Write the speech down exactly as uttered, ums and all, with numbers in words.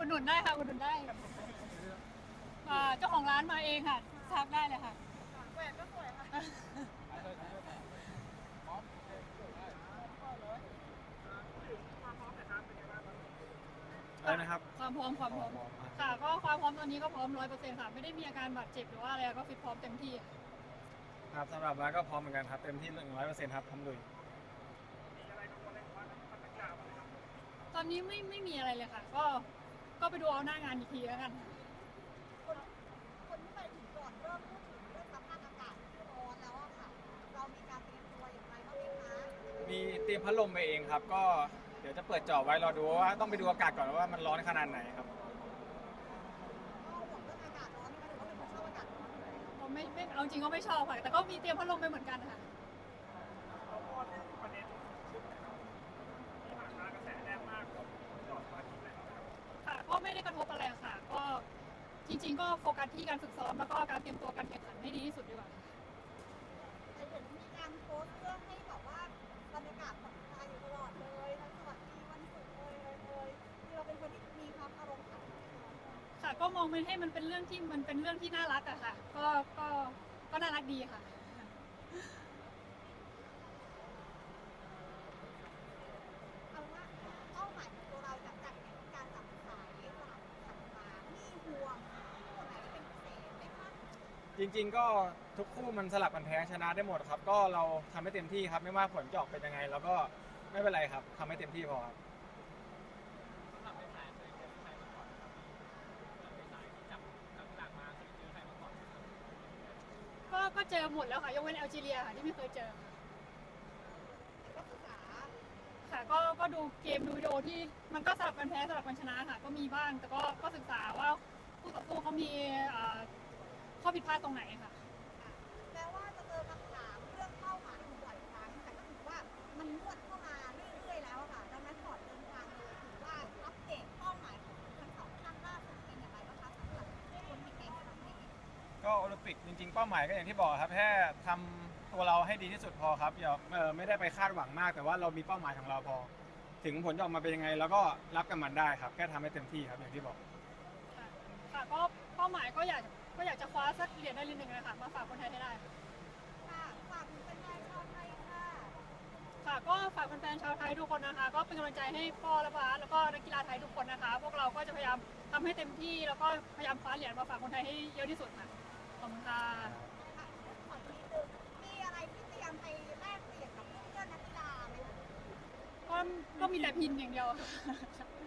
หนุนได้ค่ะอุดหนุนได้อ่าเจ้าของร้านมาเองค่ะทักได้เลยค่ะแหวนก็สวยค่ะอะไรนะครับความพร้อมความพร้อมค่ะ ก็ความพร้อมตอนนี้ก็พร้อมร้อยเปอร์เซ็นต์ค่ะไม่ได้มีอาการบาดเจ็บหรือว่าอะไรก็ฟิตพร้อมเต็มที่ครับสำหรับร้านก็พร้อมเหมือนกันครับเต็มที่หนึ่งร้อยเปอร์เซ็นต์ครับพร้อมลุยตอนนี้ไม่ไม่มีอะไรเลยค่ะ ก็ก็ไปดูเอาหน้างานอีกทีแล้วกันคนคนที่ไปถึงก่อนเริ่มพูดถึงเรื่องสภาพอากาศร้อนแล้วอะค่ะ เรามีการเตรียมตัวอย่างไรบ้างไหมคะมีเตรียมพัดลมไปเองครับ ก็เดี๋ยวจะเปิดจอไว้รอดูว่าต้องไปดูอากาศก่อนว่ามันร้อนขนาดไหนครับก็ห่วงเรื่องอากาศร้อนไหมคะหรือว่าเป็นคนชอบอากาศร้อนอยู่แล้วเราไม่ไม่เอาจริงก็ไม่ชอบค่ะแต่ก็มีเตรียมพัดลมไปเหมือนกันค่ะค่ะก็ไม่ได้กระทบอะไรค่ะ ก็จริง ๆ ก็โฟกัสที่การฝึกซ้อมแล้วก็การเตรียมตัวการแข่งขันให้ดีที่สุดดีกว่าแต่เห็นมีการโพสต์เรื่องให้แบบว่าบรรยากาศผ่อนคลายอยู่ตลอดเลยทั้งสวัสดีวันศุกร์เลยเลยเลยคือเราเป็นคนที่มีความอารมณ์ขันค่ะก็มองมันให้มันเป็นเรื่องที่มันเป็นเรื่องที่น่ารักอะค่ะ ก็ก็ก็น่ารักดีค่ะเอาว่าเป้าหมายของตัวเราจากจากการจับสายสลับขันมามีห่วงคนไหนที่เป็นพิเศษไหมคะจริงๆก็ทุกคู่มันสลับกันแพ้ชนะได้หมดครับ ก็เราทำให้เต็มที่ครับไม่ว่าผลจะออกเป็นยังไงแล้วก็ไม่เป็นไรครับทำให้เต็มที่พอครับก็ก็เจอหมดแล้วค่ะยกเว้นแอลจีเรียค่ะที่ไม่เคยเจอก็ศึกษาค่ะก็ก็ดูเกมดูวิดีโอที่มันก็สลับกันแพ้สลับกันชนะค่ะ ก็มีบ้างแต่ก็ก็ศึกษาว่าคู่ต่อสู้เขามีเอ่อข้อผิดพลาดตรงไหนค่ะแม้ว่าจะเจอคำถามเรื่องเป้าหมายอยู่บ่อยครั้งแต่ก็ถือว่ามันนวดเข้ามาเรื่อยๆแล้วอะค่ะดังนั้นก่อนเดินทางเลยถือว่าอัปเดตเป้าหมายของทั้งสองท่านล่าสุดเป็นอย่างไรบ้างคะสำหรับคนที่เก่งครั้งนี้ก็โอลิมปิกจริงๆเป้าหมายก็อย่างที่บอกครับแค่ทำตัวเราให้ดีที่สุดพอครับอย่าเออไม่ได้ไปคาดหวังมาก แต่ว่าเรามีเป้าหมายของเราพอ ถึงผลจะออกมาเป็นยังไงแล้วก็รับกับมันได้ครับแค่ทำให้เต็มที่ครับอย่างที่บอกค่ะค่ะก็เป้าหมายก็อยากก็อยากจะคว้าสักเหรียญได้เหรียญหนึ่งนะคะมาฝากคนไทยให้ได้ค่ะค่ะฝากถึงแฟนๆชาวไทยค่ะค่ะก็ฝากแฟนๆชาวไทยทุกคนนะคะ ก็เป็นกำลังใจให้ปอและบาสแล้วก็นักกีฬาไทยทุกคนนะคะ พวกเราก็จะพยายามทำให้เต็มที่แล้วก็พยายามคว้าเหรียญมาฝากคนไทยให้เยอะที่สุดค่ะขอบคุณค่ะค่ะขอทีนึงมีอะไรที่เตรียมไปแลกเปลี่ยนกับเพื่อนนักกีฬาไหมคะก็ก็มีแต่พินอย่างเดียวค่ะ